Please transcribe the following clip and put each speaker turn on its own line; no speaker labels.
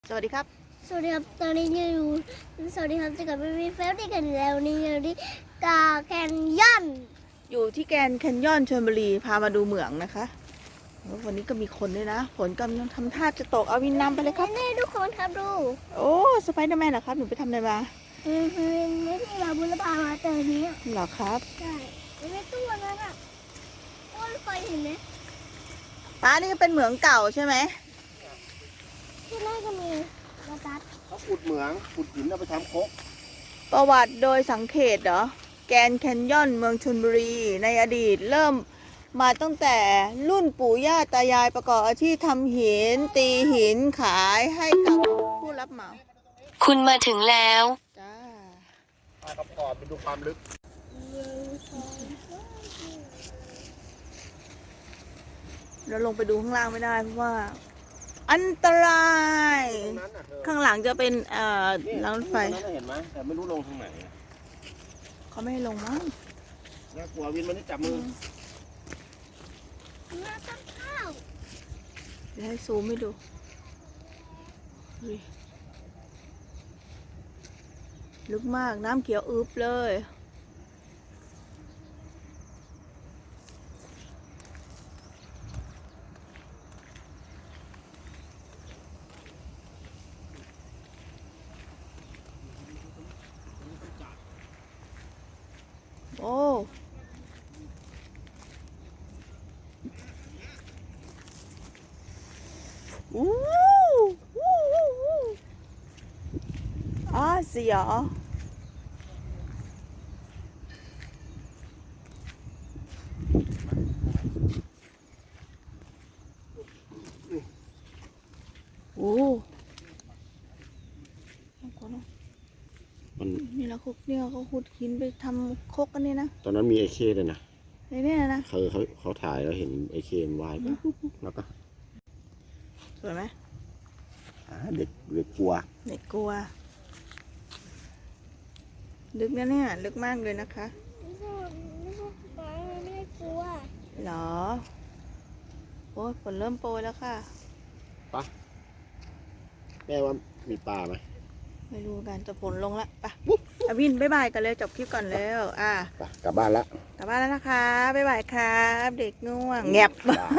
สวัสดีครับ
สวัสดีครับตอนนี้อยู่สวัสดีครับจะกลับไปมีเฟลที่กันแล้วนี่อยู่ที่กาแคนยอน
อยู่ที่แกรนด์แคนยอนชลบุรีพามาดูเหมืองนะคะแล้ววันนี้ก็มีคนด้วยนะฝนกำลังทำท่าจะตกเอาวินนำไปเลยครับ
นี่ทุกคนครับดู
โอ้สไปเดอร์แมนเหรอครับหนูไปทำอะไรมา
ไม่ที่เราบุรพามาเจอนี้
เหรอครับ
ใช่ในตู้นั้นอ่ะตู้รถไฟเห็นไหม
ป้านี่ก็เป็นเหมืองเก่าใช่ไหม
ที่แรกก็มีมาตัด
เขาขุดเหมืองขุดหินเอาไปทำโคก
ประวัติโดยสังเขตเหรอแกรนด์แคนยอนเมืองชลบุรีในอดีตเริ่มมาตั้งแต่รุ่นปู่ย่าตายายประกอบอาชีพทำหินตีหินขายให้กับผู้รับเหมา
คุณมาถึงแล้ว
จ้า
ปลากระปอบไปดูความลึก
เราลงไปดูข้างล่างไม่ได้เพราะว่า อันตราย
ตรงนั้นน่ะเธอ
ข้างหลังจะเป็น
นี่
รางรถไฟ
ตรงนั้นน่ะเห็นไหมแต่ไม่รู้ลงทางไหน
เขาไม่ให้ลงมั้ง
น่ากลัววินมันนี่จับมือ
มาต้นข้าว
เดี๋ยวให้ซูมให้ดูอุ๊ยลึกมากน้ำเขียวอึบเลย โอ้อู้วู้วู้วู้เสียวโอ้
มัน
นี่แล้วเขาขุดหินไปทำครกกันนี่นะ
ตอนนั้นมีไอเคเลยนะ
ในเนี่ยนะ
เขาถ่ายแล้วเห็นไอเคมันว่ายไปแล้วก็
สวยไหม
เด็กกลัว
เด็กกลัว ลึกนะเนี่ย ลึกมากเลยนะคะ
ไม่ได้กลัว
เหรอ โอ้ยฝนเริ่มโปรยแล้วค่ะ
แม่ว่ามีปลาไหม
ไม่รู้กันแต่ฝนลงละไปอาวินบ๊ายบายกันเลยจบคลิปก่อนแล้ว
ไปกลับบ้านละ
กลับบ้านแล้วนะคะบ๊ายบายครับ เด็กง่วงแงบ